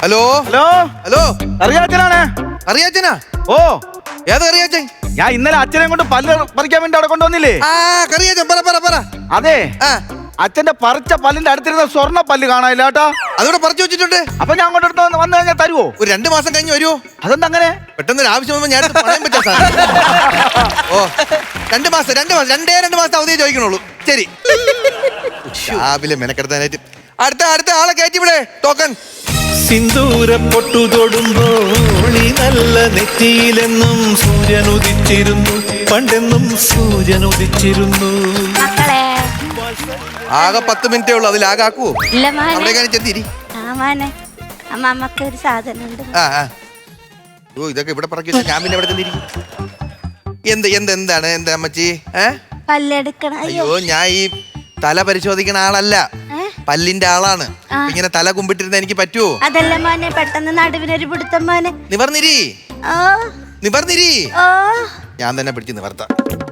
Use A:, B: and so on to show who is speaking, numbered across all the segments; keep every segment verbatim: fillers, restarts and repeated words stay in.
A: Hello
B: hello
A: hello
B: അറിയാച്ചനാണ്.
A: അറിയാച്ചനാ?
B: ഓ
A: ഏത് അറിയാച്ചൻ?
B: ഞാൻ ഇന്നലെ അച്ഛനെ കൊണ്ട് പല്ല് പറിക്കാൻ വേണ്ടി അവിടെ കൊണ്ടുവന്നില്ലേ?
A: ആ കറിയാച്ചൻ, പറ പറ പറ.
B: അതെ,
A: ആ
B: അച്ഛന്റെ പറിച്ച പല്ലിന്റെ അടുത്തിരുന്ന സ്വർണ്ണ പല്ല് കാണാനില്ല കേട്ടാ.
A: അതോടെ പറിച്ചു വെച്ചിട്ടുണ്ട്.
B: അപ്പൊ ഞാൻ അങ്ങോട്ട് എടുത്ത് വന്ന് വന്നു കഴിഞ്ഞാൽ തരുവോ?
A: ഒരു രണ്ടു മാസം കഴിഞ്ഞ് വരുമോ?
B: അതെന്താ അങ്ങനെ?
A: പെട്ടെന്ന് ഒരു ആവശ്യം വന്നപ്പോൾ ഞാൻ എടുത്ത് പറയാൻ പറ്റാ സാർ. ഓ രണ്ട് മാസം രണ്ട് മാസം രണ്ടേ രണ്ട് മാസം അവധിയെ ചോദിക്കണുള്ളൂ. ശരി, രാവിലെ മെനക്കെടുത്താനായിട്ട് അടുത്ത അടുത്ത ആളെ കയറ്റിവിടെ. ടോക്കൺ.
C: സിന്ദൂര പൊട്ടു തൊടുമ്പോൾ ഈ നല്ല നെറ്റിയിലെന്നും സൂര്യൻ ഉദിച്ചിരുന്നു, പണ്ടെന്നും സൂര്യൻ ഉദിച്ചിരുന്നു.
D: മക്കളെ
A: ആകെ പത്ത് മിനിറ്റേ ഉള്ളൂ, അതിലാകെ ആക്കുവോ?
D: ഇല്ല മോനെ.
A: അവിടേക്കാണ് ചെത്തിരി.
D: ആ മോനെ, അമ്മമ്മക്ക് ഒരു സാധനം ഉണ്ട്.
A: ആ ആ ഓ ഇതൊക്കെ ഇവിടെ പറക്കി വെച്ചാൽ ഞാൻ പിന്നെ ഇവിടെ ചെന്നിരിക്കും. എന്ത് എന്ത് എന്താണ് എന്താ അമ്മച്ചി? ഏ
D: പല്ലെടുക്കണം.
A: അയ്യോ, ഞാൻ ഈ തല പരിശോധിക്കുന്ന ആളല്ല, പല്ലിന്റെ ആളാണ്. ഇങ്ങനെ തല കുമ്പിട്ടിരുന്ന എനിക്ക് പറ്റുമോ?
D: അതല്ല മോനെ, പെട്ടെന്ന് നടുവിനൊരു പിടുത്തം മോനെ.
A: നിവർന്നിരി,
D: ഓ
A: നിവർന്നിരി.
D: ഓ
A: ഞാൻ തന്നെ പിടിച്ച് നിവർത്താം.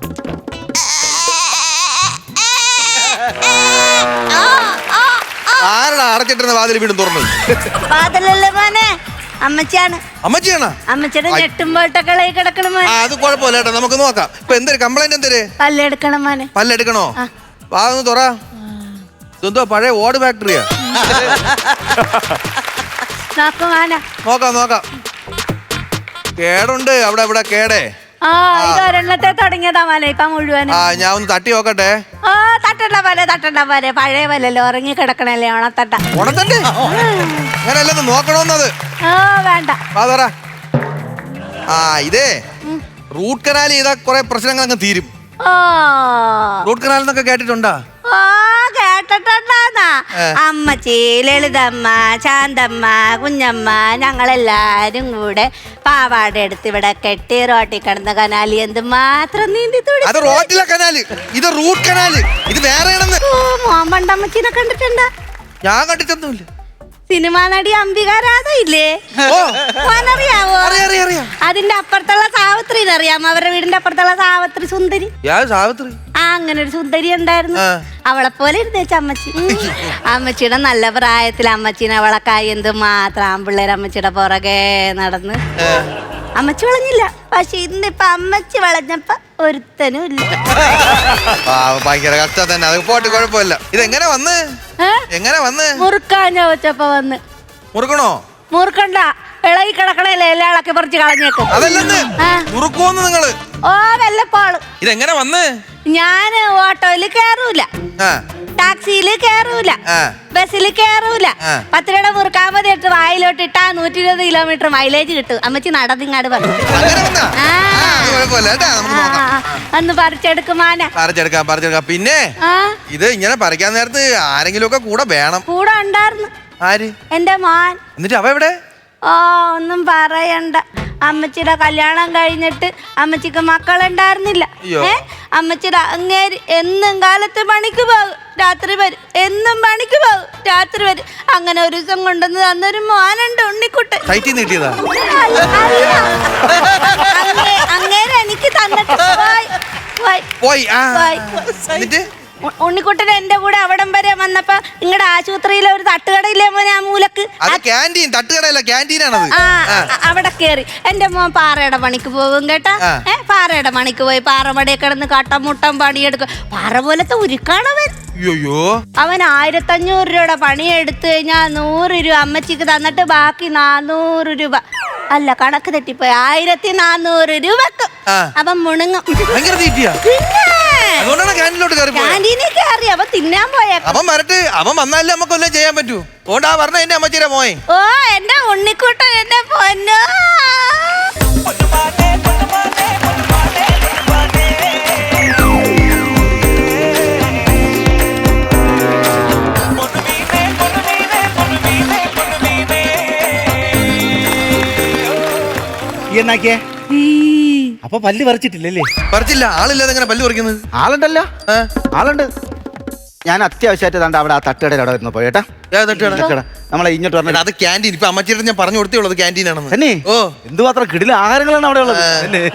A: ആരുടെ അടച്ചിട്ടിരുന്ന വാതിൽ വീണ്ടും തുറന്നു?
D: വാതിലല്ലേ മോനെ, അമ്മച്ചിയാണ്.
A: അമ്മച്ചിയാണോ?
D: അമ്മച്ചിയുടെ ഞെട്ടുമ്പോട്ടൊക്കെ കിടക്കണം മോനെ.
A: ആ അത് കുഴപ്പമില്ല കേട്ടോ, നമുക്ക് നോക്കാം. ഇപ്പൊ എന്തൊരു കംപ്ലൈന്റ് എന്തര്?
D: പല്ലെടുക്കണം മോനെ.
A: പല്ലെടുക്കണോ? വാ ഒന്ന് തുറ. ഇതെന്തോ പഴയ ഓട് ഫാക്ടറിയാ?
D: നോക്കും മോനെ.
A: നോക്കാം നോക്കാം. കേടുണ്ട് അവിടെ ഇവിടെ കേടേ.
D: ആ ഇത് ഒരെണ്ണത്തെ തുടങ്ങിയതാ മോനെ, ഇപ്പൊ മുഴുവനും.
A: ആ ഞാൻ ഒന്ന് തട്ടി നോക്കട്ടെ.
D: ആ തട്ടണ്ട പോലെ തട്ടണ്ട പോലെ, പഴയ പോലല്ലോ ഉറങ്ങി കിടക്കണല്ലേ ഓണത്തട്ട.
A: ഉണത്തണ്ടേ? അങ്ങനെയല്ലെന്ന് നോക്കണോന്നത്.
D: ആ വേണ്ട.
A: വാ തുറ. ആ ഇതേ റൂട്ട് കനാൽ ചെയ്താ കുറെ പ്രശ്നങ്ങൾ അങ്ങ് തീരും.
D: ഓ
A: റൂട്ട് കനാൽ എന്നൊക്കെ കേട്ടിട്ടുണ്ടാ?
D: ഓ കേട്ടിട്ടുണ്ടാന്നാ. അമ്മച്ചി, ലളിതമ്മ, ശാന്തമ്മ, കുഞ്ഞമ്മ ഞങ്ങളെല്ലാരും കൂടെ പാവാട എടുത്ത് ഇവിടെ കെട്ടി റോട്ടി കിടന്ന കനാലി എന്ത് മാത്രം നീന്തി തുടി.
A: അത് റോട്ടിലെ കനാല്, ഇത് റൂട്ട് കനാല്, ഇത് വേറെയാണെന്ന്.
D: ഓ മോൻ പണ്ടമ്മച്ചിനെ കണ്ടിട്ടുണ്ടാ?
A: ഞാൻ കണ്ടിട്ടൊന്നുമില്ല.
D: സിനിമാ നടി അംബികാരാധ ഇല്ലേ?
A: ഓ
D: മോനറിയാവോ?
A: അറിയാം അറിയാം അറിയാം.
D: അതിന്റെ അപ്പുറത്തുള്ള സാവിത്രിനെ അറിയാമോ? അവരുടെ വീടിന്റെ അപ്പുറത്തുള്ള സാവിത്രി സുന്ദരി.
A: ഞാൻ സാവിത്രി.
D: ആ അങ്ങനെ ഒരു സുന്ദരി ഉണ്ടായിരുന്നു.
A: ആ.
D: അവളെ പോലെ ഇരുന്നേച്ച അമ്മച്ചി. അമ്മച്ചിയുടെ നല്ല പ്രായത്തിൽ അമ്മച്ചീനെ അവളക്കായി എന്ത് മാത്രം ആമ്പിള്ളേർ അമ്മച്ചിയുടെ പുറകെ നടന്ന്. അമ്മച്ചി വളഞ്ഞില്ല, പക്ഷെ ഇന്നിപ്പൊ അമ്മച്ചി വളഞ്ഞപ്പോ ഒരുത്തനും ഇല്ല.
A: ഭയങ്കര കഷ്ടം തന്നെ. അത് പോട്ട് കുഴപ്പമില്ല. ഇതെങ്ങനെ വന്ന് എങ്ങനെ വന്ന്?
D: മുറുക്കാൻ ചോദിച്ചപ്പോ വന്ന്.
A: മുറുക്കണോ?
D: മുറുക്കണ്ട, ഇളകി കിടക്കണല്ലേ എല്ലാം ഇളക്കി പറിച്ച് കളഞ്ഞേക്കും.
A: അതല്ലെന്ന് മുറുക്കുവോന്ന് നിങ്ങള്?
D: ഓ വല്ലപ്പോള്.
A: ഇതെങ്ങനെ വന്ന്?
D: ഞാന് ഓട്ടോയില് കേറൂല, ടാക്സിയില് കേറൂല, ബസ്സിൽ കേറൂല. പത്ത് രൂപ മുറുക്കാൻ മതി ഇട്ട് വായിലോട്ട് ഇട്ടാ നൂറ്റി ഇരുപത് കിലോമീറ്റർ മൈലേജ് കിട്ടും. അമ്മച്ചി നടന്നിങ്ങാട് പറഞ്ഞു. ഒന്ന് പറിച്ചെടുക്കുമാന.
A: പറിച്ചെടുക്കാം പറിച്ചെടുക്കാം. പിന്നെ ഇത് ഇങ്ങനെ പറിക്കാൻ നേരത്ത് ആരെങ്കിലും ഒക്കെ കൂടെ വേണം.
D: കൂടെ ഉണ്ടായിരുന്നു.
A: ആര്?
D: എന്റെ മോൻ.
A: എന്നിട്ട് അവ എവിടെ?
D: ഓ ഒന്നും പറയണ്ട. അമ്മച്ചിയുടെ കല്യാണം കഴിഞ്ഞിട്ട് അമ്മച്ചിക്ക് മക്കളുണ്ടായിരുന്നില്ല. ഏ അമ്മച്ചിയുടെ അങ്ങേര് എന്നും കാലത്ത് പണിക്ക് പോകും, രാത്രി വരും. എന്നും പണിക്ക് പോകും, രാത്രി വരും. അങ്ങനെ ഒരു ദിവസം കൊണ്ടുവന്ന് തന്നൊരു മോനുണ്ട്, ഉണ്ണിക്കുട്ടൻ. അങ്ങേര് എനിക്ക് തന്നിട്ട് പോയി. ഉണ്ണിക്കുട്ടൻ എന്റെ കൂടെ അവിടം വരെ വന്നപ്പോ നിങ്ങളുടെ ആശുപത്രിയിലെ ഒരു തട്ടുകടയില്ലേ മോനെ, ആ മൂലക്ക് അവിടെ കേറി എന്റെ മോൻ പാറയുടെ പണിക്ക് പോകും കേട്ടാ. ഏ പാറയുടെ പണിക്ക് പോയി പാറമടയെ കിടന്ന് കട്ടമുട്ടം പണിയെടുക്കും. പാറ പോലത്തെ ഉരുക്കാണവൻ. അവൻ ആയിരത്തഞ്ഞൂറ് രൂപയുടെ പണി എടുത്തു കഴിഞ്ഞാൽ നൂറ് രൂപ അമ്മച്ചിക്ക് തന്നിട്ട് ബാക്കി നാനൂറ് രൂപ അല്ല കണക്ക് തെറ്റിപ്പോയി ആയിരത്തി നാനൂറ് രൂപക്ക് അവൻ മുണുങ്ങും. ക്യാന്റീനിൽ കയറി അവൻ തിന്നാൻ പോയ.
A: അവൻ വരട്ടെ, അവൻ വന്നാലേ നമുക്കൊന്നും ചെയ്യാൻ പറ്റൂ. ഓണ്ടാ പറഞ്ഞ എന്റെ അമ്മച്ചിയുടെ മോയെ.
D: ഓ എന്റെ ഉണ്ണിക്കുട്ടൻ എന്റെ പൊന്നോ.
B: എന്നാക്കിയേ അപ്പൊ പല്ല് പറിച്ചിട്ടില്ലല്ലേ?
A: പറിച്ചില്ല. ആളില്ലാതെ എങ്ങനെ പല്ല് പറിക്കുന്നത്?
B: ആളുണ്ടല്ലോ, ആളുണ്ട്. ഞാൻ അത്യാവശ്യമായിട്ട് തണ്ട അവിടെ ആ തട്ടുകടയിൽ അവിടെ വരുന്നു പോയേട്ടാ. നമ്മളെ ഇങ്ങോട്ട് പറഞ്ഞ
A: അത് ക്യാൻറ്റീൻ. ഇപ്പൊ അമ്മച്ചിയുടെ ഞാൻ പറഞ്ഞു കൊടുത്തേ ഉള്ളത് ക്യാൻറ്റീൻ ആണെന്ന്.
B: തന്നെ
A: ഓ
B: എന്തുമാത്രം കിടില ആഹാരങ്ങളാണ് അവിടെ ഉള്ളത്.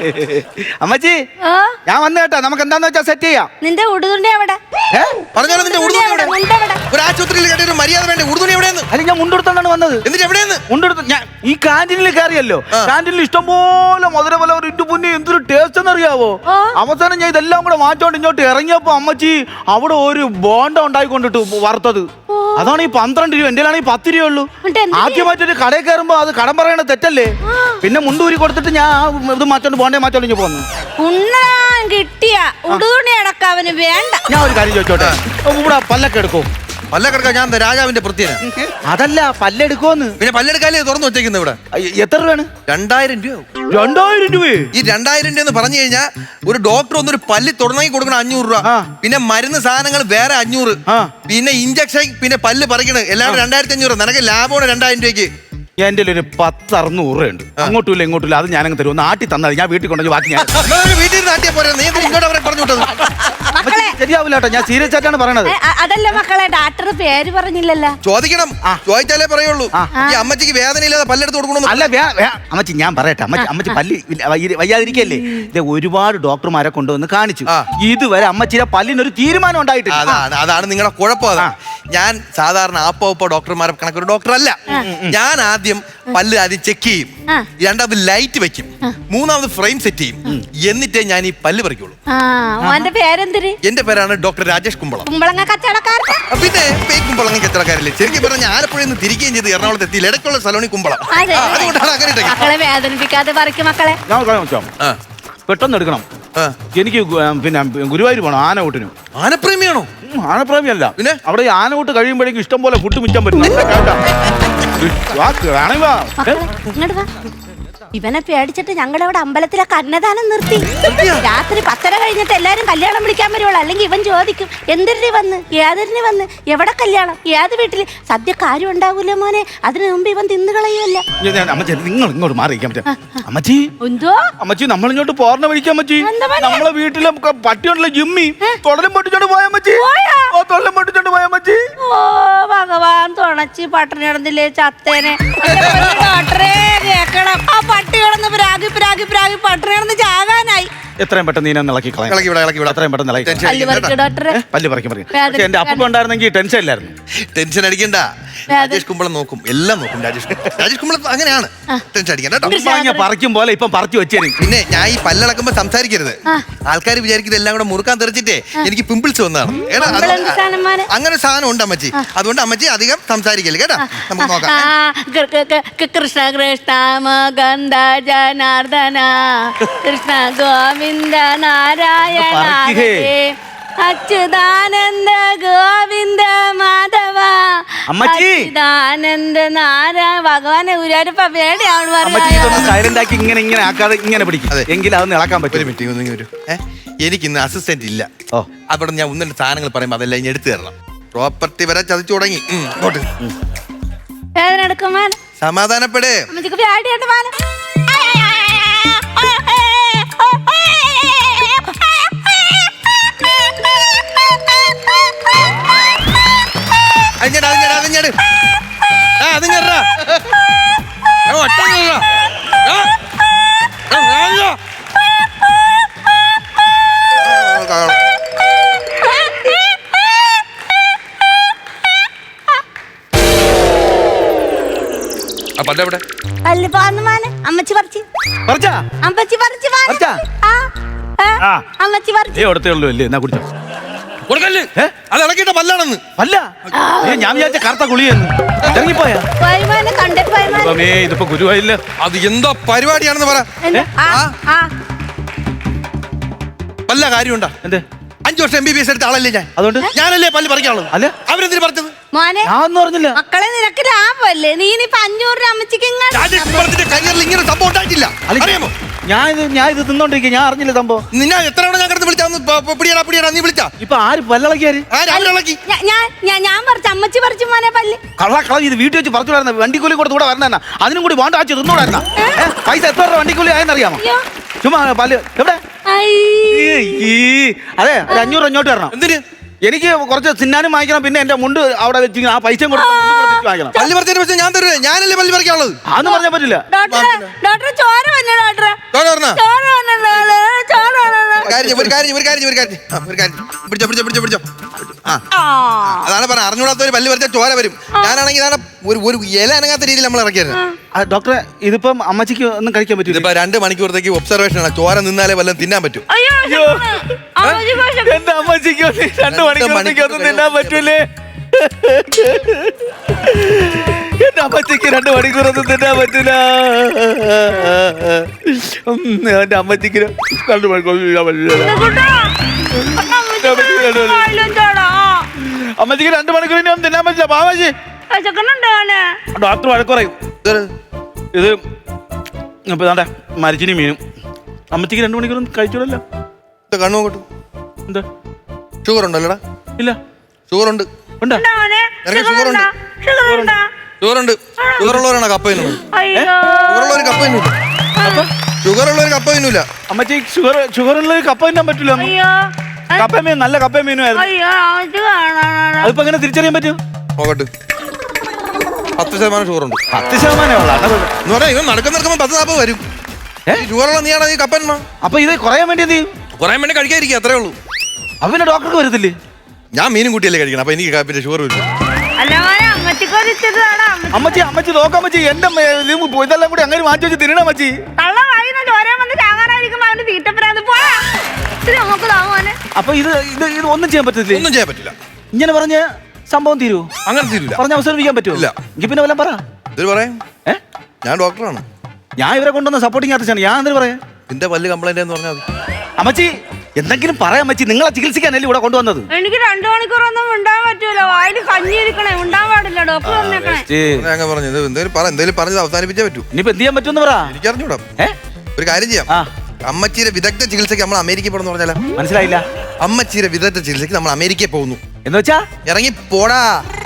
B: അമ്മച്ചി
D: ഓ
B: ഞാൻ വന്നു കേട്ടാ, നമുക്ക് എന്താന്ന് വെച്ചാൽ സെറ്റ് ചെയ്യാം.
D: നിന്റെ ഉടുതുണ്ടി എവിടെ?
B: ഏ?
A: പറഞ്ഞാലും നിന്റെ ഉടുതുണി എവിടെ?
D: മുണ്ട് എവിടെ?
A: ഒരു ആശുപത്രിയിൽ കേട്ട ഒരു മര്യാദ വേണ്ടേ? ഉടുതുണി എവിടെയെന്ന്?
B: അല്ല ഞാൻ മുണ്ടെടുത്തോണ്ടാണ് വന്നത്.
A: എന്നിട്ട് എവിടെയെന്ന്?
B: മുണ്ടെടുത്ത് ഞാൻ ഈ കാന്റീനിൽ കയറിയല്ലോ.
A: ആ.
B: കാന്റീനിൽ ഇഷ്ടംപോലെ മധുരപല ഒരു ഇട്ടു പുന്നി എന്തൊരു ടേസ്റ്റ് എന്നറിയാവോ.
D: ഓ.
B: അവസാനം ഞാൻ ഇതെല്ലാം കൂടെ മാറ്റോണ്ട് ഇങ്ങോട്ട് ഇറങ്ങിയപ്പോ അമ്മച്ചി അവിടെ ഒരു ബോണ്ട ഉണ്ടായിക്കൊണ്ടിട്ടു വറുത്തത്. അതാണ് ഈ പന്ത്രണ്ട് രൂപ, എന്റെ ആണെങ്കിൽ പത്ത് രൂപ ഉള്ളൂ.
D: എന്നിട്ട് എന്ത്
B: ആദ്യമായിട്ടൊരു കടയിൽ കയറുമ്പോ അത് കടം പറയണ തെറ്റല്ലേ. പിന്നെ മുണ്ടൂരി കൊടുത്തിട്ട് ഞാൻ ആ ഇത് മാറ്റോണ്ട് ബോണ്ടേ മാറ്റോണ്ട് ഇങ്ങനെ പോന്നു.
D: ഉണ്ണാൻ കിട്ടിയ ഉടുതുണി അടക്ക അവന് വേണ്ട.
B: ഞാൻ ഒരു കാര്യം ചോദിച്ചോട്ടെ, ഇവിടെ പല്ലൊക്കെ എടുക്കോ?
A: പല്ല കിടക്കാം. ഞാൻ എന്താ രാജാവിന്റെ പ്രത്യേക?
B: അതല്ല പല്ലെടുക്കോന്ന്.
A: പിന്നെ പല്ലെടുക്കാലേ തുറന്നു വെച്ചേക്കുന്നത് ഇവിടെ.
B: അയ്യ, എത്ര രൂപയാണ്?
A: രണ്ടായിരം രൂപ.
B: രണ്ടായിരം രൂപ.
A: ഈ രണ്ടായിരം രൂപ എന്ന് പറഞ്ഞു കഴിഞ്ഞാൽ ഒരു ഡോക്ടർ ഒന്നൊരു പല്ല് തുടങ്ങി കൊടുക്കണം അഞ്ഞൂറ് രൂപ.
B: ആ.
A: പിന്നെ മരുന്ന് സാധനങ്ങൾ വേറെ അഞ്ഞൂറ്.
B: ആ.
A: പിന്നെ ഇഞ്ചക്ഷൻ, പിന്നെ പല്ല് പറിക്കണത് എല്ലാം കൂടെ രണ്ടായിരത്തി അഞ്ഞൂറ്. നിനക്ക് ലാഭമാണ് രണ്ടായിരം രൂപയ്ക്ക്.
B: എന്റെ ഒരു പത്ത് അറുന്നൂറ് രൂപ ഉണ്ട്. അങ്ങോട്ടും ഇല്ല ഇങ്ങോട്ടും ഇല്ല. അത് ഞാനങ്ങ് തരും. ഒന്ന് ആട്ടി തന്നാൽ ഞാൻ വീട്ടിൽ കൊണ്ടുപോയി ബാക്കി ഞാൻ
A: നിങ്ങള് വീട്ടിൽ നാട്ടിയെ പോരാ. നീ എന്തിനാ ഇങ്ങോട്ട് അവരെ പറഞ്ഞു വിട്ടത്?
D: മക്കളെ
B: ശരിയാവില്ല കേട്ടോ, ഞാൻ സീരിയസ് ആയിട്ടാണ് പറയണത്.
D: ഏ, അ- അതല്ല മക്കളെ, ഡാക്ടർ പേര് പറഞ്ഞില്ലല്ലോ.
A: ചോദിക്കണം.
B: ആ.
A: ചോദിച്ചാലേ പറയുള്ളൂ.
B: ആ.
A: ഈ അമ്മച്ചിക്ക് വേദന ഇല്ലാതെ പല്ലെടുത്ത് കൊടുക്കണം.
B: അല്ല വേ- വേ- അമ്മച്ചി ഞാൻ പറയട്ടെ, അമ്മച്ചി അമ്മച്ചി പല്ലി ഇല്ല, വയ്യ- വയ്യാതിരിക്കല്ലേ. ഇത് ഒരുപാട് ഡോക്ടർമാരെ കൊണ്ടുവന്ന് കാണിച്ചു.
A: ആ.
B: ഇതുവരെ അമ്മച്ചിയുടെ പല്ലിനൊരു തീരുമാനം ഉണ്ടായിട്ടില്ല.
A: അതാണ് അതാണ് നിങ്ങളുടെ കുഴപ്പം. അത്
B: ആ.
A: ഞാൻ സാധാരണ ആപ്പോ ഉപ്പോ ഡോക്ടർമാരെ കണക്കൊരു ഡോക്ടർ അല്ല. ഞാൻ ആദ്യം പല്ല് ആദ്യം ചെക്ക് ചെയ്യും,
D: ആ.
A: രണ്ടാമത് ലൈറ്റ് വെക്കും, മൂന്നാമത് ഫ്രെയിം സെറ്റ് ചെയ്യും, എന്നിട്ടേ ഞാൻ ഈ പല്ല് പറിക്കുള്ളൂ.
D: ആ ഓന്റെ പേരെന്തിര്?
A: എന്റെ പേരാണ് ഡോക്ടർ രാജേഷ് കുമ്പളം.
D: കുമ്പളങ്ങ കച്ചവടക്കാരൻ.
A: ആ, പിന്നെ പേര് കുമ്പളങ്ങി കച്ചവടക്കാരില്ലേ. ശരിക്കും പറഞ്ഞ ആലപ്പുഴയിൽ നിന്ന് തിരികെയും ചെയ്ത് എറണാകുളത്ത് എത്തി ഇടയ്ക്കുള്ള സലോണി കുമ്പളം.
D: അതെ.
A: ആ, അതുകൊണ്ടാണ് അങ്ങനെ ഇട്ടേക്കുന്നത്.
D: മക്കളെ വേദനിപ്പിക്കാതെ പറിക്കും മക്കളെ.
B: ഞാൻ ഒരു കാര്യം ചോദിച്ചോ?
A: ആ,
B: പെട്ടെന്ന് എടുക്കണം.
A: ആ.
B: എനിക്ക് ഗു- പിന്നെ ഗുരുവായൂർ പോകണം ആനകൂട്ടിനും.
A: ആനപ്രേമിയാണോ?
B: ഉം, ആനപ്രേമിയല്ല.
A: പിന്നെ?
B: അവിടെ ഈ ആനകൂട്ട് കഴിയുമ്പോഴേക്കും ഇഷ്ടം പോലെ ഫുഡ് മിച്ചാൻ പറ്റും. നല്ല കേട്ടാ. വാ, വേണമെങ്കിൽ വാ. ഏ?
D: മക്കളെ ഇങ്ങോട്ട് വാ. ഇവനെ പേടിച്ചിട്ട് ഞങ്ങളുടെ അവിടെ അമ്പലത്തിലൊക്കെ അന്നദാനം നിർത്തി. രാത്രി പത്തര കഴിഞ്ഞിട്ട് എല്ലാരും കല്യാണം വിളിക്കാൻ വരുവുള്ളൂ. അല്ലെങ്കിൽ ഇവൻ ചോദിക്കും എന്തിന് വന്ന്, ഏതിന് വന്ന്, എവിടെ കല്യാണം, ഏത് വീട്ടില് സദ്യ കാര്യം ഉണ്ടാവൂലേ മോനെ. അതിനു മുമ്പ് ഇവൻ തിന്നു കളയുമല്ല.
B: ഞാൻ- ഞാൻ- അമ്മച്ചി നിങ്ങൾ ഇങ്ങോട്ട് മാറിയിരിക്കാൻ പറ്റും. അമ്മച്ചി
D: എന്തോ
B: അമ്മച്ചി നമ്മൾ ഇങ്ങോട്ട് പോർണ വിളിക്കാൻ അമ്മച്ചി.
D: എന്താ പണി?
B: നമ്മളെ വീട്ടിലെ ക- പട്ടിയുണ്ടല്ലോ ജിമ്മി, തൊടലും പൊട്ടിച്ചോണ്ട് പോയ അമ്മച്ചി.
D: പോയാ?
B: ഓ തൊടലും പൊട്ടിച്ചോണ്ട് പോയ അമ്മച്ചി.
D: ഓ ഭഗവാൻ തുണച്ച് പട്ടിണി കിടന്നില്ലേ ചത്തേനെ. എന്റെ പൊന്നു ഡോക്ടറെ കേക്കണം. ആ പട്ടി കിടന്ന് പ്രാഗി പ്രാഗി പ്രാഗി പട്ടിണി കിടന്ന് ചാകാനായി.
B: എത്രയും പെട്ടെന്ന് നീ ഇളക്കി കളയാം.
A: ഇളക്കി വിടാം, ഇളക്കി വിടാം.
B: അത്രയും പെട്ടെന്ന് ഇളക്കി
A: ടെൻഷൻ
D: പല്ല്
A: അടിക്കണ്ട
D: പറിക്ക്
A: കേട്ടോ.
D: ഡോക്ടറെ.
B: പല്ല് പറിക്കും പറയും.
D: വേദന-
B: പക്ഷെ എന്റെ അപ്പ ഉണ്ടായിരുന്നെങ്കിൽ ടെൻഷൻ ഇല്ലായിരുന്നു.
A: ടെൻഷൻ അടിക്കണ്ട. രാജേഷ് കുമ്പളം നോക്കും, എല്ലാം നോക്കും. രാജേഷ് കുമ്പളം- രാജേഷ് കുമ്പളം അങ്ങനെയാണ്. ടെൻഷൻ അടിക്കണ്ട കേട്ടോ.
B: ഉമ്മാങ്ങ പറിക്കും പോലെ ഇപ്പം പറിച്ചു വെച്ചേരും.
A: പിന്നെ ഞാൻ ഈ പല്ലളക്കുമ്പോ സംസാരിക്കരുത്. ആൾക്കാർ വിചാരിക്കുന്നത് എല്ലാം കൂടെ മുറുക്കാൻ തെറിച്ചിട്ടേ എനിക്ക് പിമ്പിൾസ് വന്നതാണ്. എടാ, അത്
D: പിമ്പിൾ എന്ത് സാധനം മോനെ?
A: അങ്ങനെ ഒരു സാധനം ഉണ്ട് അമ്മച്ചി. അതുകൊണ്ട് അമ്മച്ചി അധികം സംസാരിക്കല്ലേ കേട്ടാ. നമുക്ക് നോക്കാം.
D: ആ, കൃ- കൃ- കൃ- കൃ- കൃഷ്ണ കൃഷ്ണ മകന്ദ ജനാർദ്ദന കൃഷ്ണ ഗോവിന്ദ നാരായണ
B: പറിക്കുകേ.
D: ഹരേ. അച്യുതാനന്ദ ഗോവിന്ദ മാധവ
B: അമ്മച്ചി.
D: അച്യുതാനന്ദ നാരായണ ഭഗവാനെ ഗുരുവായൂരപ്പ പേടിയാണ്
B: അമ്മച്ചി ഇതൊന്ന് സൈലന്റ് ആക്കി ഇങ്ങനെ ഇങ്ങനെ ആക്കാതെ ഇങ്ങനെ പിടിക്കും.
A: അതെ.
B: എങ്കിൽ അതൊന്ന് ഇളക്കാൻ
A: ഒരു
B: പറ്റും.
A: മിനിറ്റ് ഒന്ന് വരൂ. ഏഹ് എനിക്ക് ഇന്ന് അസിസ്റ്റന്റ് ഇല്ല.
B: ഓ.
A: അവിടെ ഞാൻ ഒന്നിന്റെ സാധനങ്ങൾ പറയുമ്പോൾ അതെല്ലാം ഇനി എടുത്തു തരണം. പ്രോപ്പർട്ടി വരെ ചതിച്ചു തുടങ്ങി. ഉം, ഇങ്ങോട്ട്.
D: വേദന എടുക്കും മാന
A: സമാധാനപ്പെടേ.
D: അമ്മച്ചിക്ക് പേടിയുണ്ട് മാന.
A: അതിഞ്ഞട് അതിഞ്ഞട് അതിഞ്ഞട് ആ അതിഞ്ഞടാ ഒറ്റ പല്ല എവിടെ?
D: അല്ല പാന്ന് മാന അമ്മച്ചി പറിച്ച്
B: പറിച്ചാ?
D: അമ്മച്ചി പറിച്ച് മാന.
B: പറിച്ചാ?
D: ആ, ആ,
B: ആ.
D: അമ്മച്ചി പറിച്ച്.
B: ഏ കൊടുത്തേ ഉള്ളൂ അല്ലേ? എന്നാ കുടിച്ചോ.
A: കൊടുക്കല്ലേ?
B: ഏ?
A: അത് ഇളക്കിയിട്ട പല്ലാണെന്ന്.
B: അല്ല ഏ, ഞാൻ വിചാരിച്ച കറുത്ത കുളിയെന്ന്. ഇറങ്ങിപ്പോയാ?
D: പോയ്മാനെ കണ്ടിട്ട് പോയ്മാനെ.
B: ദൈവമേ, ഇതിപ്പോ ഗുരുവായില്ല.
A: അത് എന്താ പരിപാടിയാണെന്ന് പറ.
D: എന്താ? ആ,
A: ആ?
D: ആ.
A: വല്ല കാര്യമുണ്ടാ?
B: എന്തേ?
A: അഞ്ചു വർഷം എം ബി ബി എസ് എടുത്ത ആളല്ലേ ഞാൻ.
B: അതുകൊണ്ട്
A: ഞാനല്ലേ പല്ല് പറിക്കാനുള്ളത്.
B: അല്ല.
A: അവരെന്തിനു പറഞ്ഞത്?
D: മോനെ
B: ഞാൻ ഒന്നും പറഞ്ഞില്ല.
D: മക്കളെ നിനക്ക് ലാഭമല്ലേ? നീ ഇനിയിപ്പൊ അഞ്ഞൂറ് രൂപ അമ്മച്ചിക്ക് ഇങ്ങോട്ട്
A: രാജേഷ് കുമ്പളത്തിന്റെ കരിയറിൽ ഇങ്ങനെ സംഭവം ഉണ്ടായിട്ടില്ല.
B: അല്ല,
A: അറിയാമോ?
B: ഞാൻ ഇത് ഞാൻ ഇത് തിന്നോണ്ടിരിക്കുക. ഞാൻ അറിഞ്ഞില്ല സംഭവം.
A: നിന്നെ എത്ര തവണ ഞാൻ കിടന്ന് വിളിച്ചാന്ന് പിടിയടാ പിടിയടാ നീ വിളിച്ചാ
B: ഇപ്പൊ ആര് പല്ലളക്കിയാര്?
A: ആ രാവിലെ ഇളക്കി.
D: ഞാ- ഞാൻ ഞാൻ- ഞാൻ പറിച്ച് അമ്മച്ചി പറിച്ചു മോനെ പല്ല്.
B: കള്ള കള ഇത് വീട്ടിൽ വെച്ച് പറിച്ചുകൂടായിരുന്ന വണ്ടിക്കൂലി കൊടുത്ത് കൂടെ വരണ അതിനും കൂടി വേണ്ട ആച്ച് തിന്നൂടായിരുന്ന പൈസ എത്ര രൂപ വണ്ടിക്കൂലി ആയെന്നറിയാമോ?
D: അയ്യോ.
B: ചുമ്മാ പല്ല് എവിടെ?
D: ഐ.
B: ഈ, ഈ. അതെ ഒരു അഞ്ഞൂറ് അഞ്ഞോട്ട് വരണം.
A: എന്തിന്?
B: എനിക്ക് കുറച്ച് തിന്നാനും വാങ്ങിക്കണം, പിന്നെ എന്റെ മുണ്ട് അവിടെ വെച്ച് ആ പൈസ കൊടുത്ത് മുണ്ട് കൊടുത്തിട്ട് വാങ്ങിക്കണം.
A: പല്ല് പറിച്ചതിന് പക്ഷേ ഞാൻ തരുവേ, ഞാനല്ലേ പല്ല് പറിക്കാനുള്ളത്.
B: അതൊന്നും പറഞ്ഞാൽ പറ്റില്ല.
D: ഡോക്ടറെ ഡോക്ടറെ ചോര വന്നു ഡോക്ടറെ,
A: ചോര പറഞ്ഞോ?
D: ചോര വന്നു ചോര വന്നു.
A: കാര്യം ചെയ്യ്, ഒരു കാര്യം ചെയ്യ്, ഒരു കാര്യം ചെയ്യ്, ഒരു കാര്യം ചെയ്യ്. ആ, ഒരു കാര്യം ചെയ്യ്. പിടിച്ചോ പിടിച്ചോ പിടിച്ചോ പിടിച്ചോ. ആ
D: ആ
A: അതാണ് പറഞ്ഞ അറിഞ്ഞൂടാത്ത ഒരു പല്ല് പറിച്ചാൽ ചോര വരും. ഞാനാണെങ്കിൽ ഇതാണ് ഒരു ഒരു ഇല അനങ്ങാത്ത രീതിയിൽ നമ്മൾ ഇറക്കിയായിരുന്നു.
B: ആ, ഡോക്ടറെ ഇതിപ്പം അമ്മച്ചിക്ക് ഒന്നും കഴിക്കാൻ പറ്റില്ല.
A: ഇതിപ്പോ രണ്ട് മണിക്കൂറത്തേക്ക് ഒബ്സർവേഷൻ ആണ്. ചോര നിന്നാലേ വല്ലതും തിന്നാൻ പറ്റും.
D: അയ്യോ അമ്മച്ചി വിശക്കുന്നു.
B: എന്റെ അമ്മച്ചിക്ക് രണ്ട് മണിക്കൂറത്തേക്ക് ഒന്നും തിന്നാൻ പറ്റൂലേ? എന്റെ അമ്മച്ചിക്ക് രണ്ട് മണിക്കൂറൊന്നും തിന്നാൻ പറ്റൂല. ഉം, എന്റെ അമ്മച്ചിക്ക് രണ്ട് മണിക്കൂർ തിന്നാൻ പറ്റില്ല. അമ്മച്ചിക്ക് രണ്ട് മണിക്കൂർ ഇനി ഒന്നും തിന്നാൻ പറ്റില്ല. പാവാജി ഡോക്ടർ വഴക്ക് പറയും. ഇത് ഇപ്പൊ ഇതാണ്ടെ മരിച്ചിനി മീനും. അമ്മച്ചിക്ക് രണ്ട് മണിക്കൂറൊന്നും കഴിച്ചോളല്ലോ.
A: കണ്ണു നോക്കട്ടു.
B: എന്താ
A: ഷുഗർ ഉണ്ടല്ലോടാ?
B: ഇല്ല.
A: ഷുഗർ ഉണ്ട്.
B: ഉണ്ടോ?
A: നിനക്ക് ഷുഗർ ഉണ്ട്. ഷുഗർ ഉണ്ട്. ഷുഗർ ഉള്ളവരാണ് കപ്പ തിന്നുന്നത്. ഷുഗർ ഉള്ളവർ കപ്പ തിന്നൂല. ഷുഗർ ഉള്ളവർ കപ്പ തിന്നൂല.
B: അമ്മച്ചി ഷുഗർ ഷുഗർ ഉള്ളത് കപ്പ തിന്നാൻ പറ്റൂല. കപ്പ മീൻ നല്ല കപ്പ മീനുമായിരുന്നു. അതിപ്പോ എങ്ങനെ തിരിച്ചറിയാൻ പറ്റും?
A: നോക്കട്ട്. പത്ത് ശതമാനം ഷുഗർ ഉണ്ട്.
B: പത്ത് ശതമാനമേ ഉള്ളൂ.
A: എന്ന് പറഞ്ഞാൽ ഇവൻ നടക്കുന്ന നടക്കുമ്പോൾ പത്ത് നാൽപ്പത് വരും. ഷുഗറുള്ള നീയാണ് ഈ കപ്പന്മാ.
B: അപ്പൊ ഇത് കുറയാൻ വേണ്ടി എന്ത് ചെയ്യും?
A: കുറയാൻ വേണ്ടി കഴിക്കാതിരിക്കുക, അത്രേ ഉള്ളൂ.
B: അപ്പൊ പിന്നെ ഡോക്ടർക്ക് വരത്തില്ലേ?
A: ഞാൻ മീനും കൂട്ടിയല്ലേ കഴിക്കണം. അപ്പൊ എനിക്ക് പിന്നെ ഷുഗർ വരും.
B: അമ്മച്ചി അമ്മച്ചി നോക്കാമ്മച്ചി എന്റെ മേ- ഇത് ഇതെല്ലാം കൂടി അങ്ങനെ മാറ്റി വെച്ച് തിന്നണ അമ്മച്ചി. അപ്പൊ ഇത് ഇത് ഇത് ഒന്നും ചെയ്യാൻ പറ്റത്തില്ലേ?
A: ഒന്നും ചെയ്യാൻ പറ്റില്ല.
B: ഇങ്ങനെ പറഞ്ഞ സംഭവം തീരുവോ?
A: അങ്ങനെ തീരില്ല.
B: പറഞ്ഞ അവസാനിപ്പിക്കാൻ പറ്റുമോ?
A: ഇല്ല.
B: എങ്കിൽ പിന്നെ വല്ലതും പറ.
A: ഇത് പറയാം,
B: ഏ
A: ഞാൻ ഡോക്ടറാണ്.
B: ഞാൻ ഇവരെ കൊണ്ടുവന്ന സപ്പോർട്ടിങ് ആർട്ടിസ്റ്റാണ്. ഞാൻ എന്തിനു പറയാ?
A: നിന്റെ പല്ല് കംപ്ലൈന്റ് എന്ന് പറഞ്ഞാൽ മതി.
B: അമ്മച്ചി എന്തെങ്കിലും പറയാം അമ്മച്ചി. നിങ്ങളെ ചികിത്സിക്കാനല്ലേ ഇവിടെ കൊണ്ടുവന്നത്?
D: എനിക്ക് രണ്ടു മണിക്കൂറൊന്നും ഉണ്ടാൻ പറ്റൂല. വായിൽ കഞ്ഞി ഇരിക്കണേ, ഉണ്ടാൻ പാടില്ല. ഡോക്ടർ പറഞ്ഞേക്കണേ.
A: ഞാൻ പറഞ്ഞു എന്തെങ്കിലും പറ, എന്തെങ്കിലും പറഞ്ഞത് അവസാനിപ്പിച്ചേ പറ്റൂ.
B: ഇനിയിപ്പോ എന്ത് ചെയ്യാൻ പറ്റുമെന്ന് പറ.
A: എനിക്കറിഞ്ഞൂടാ.
B: ഏ
A: ഒരു കാര്യം ചെയ്യാം.
B: ആ
A: അമ്മച്ചീരെ വിദഗ്ധ ചികിത്സയ്ക്ക് നമ്മൾ അമേരിക്കയിൽ പോകണമെന്ന് പറഞ്ഞാലോ?
B: മനസ്സിലായില്ല.
A: അമ്മച്ചീരെ വിദഗ്ധ ചികിത്സയ്ക്ക് നമ്മൾ അമേരിക്കയിൽ പോകുന്നു
B: എന്ന് വെച്ചാ
A: ഇറങ്ങി പോടാ.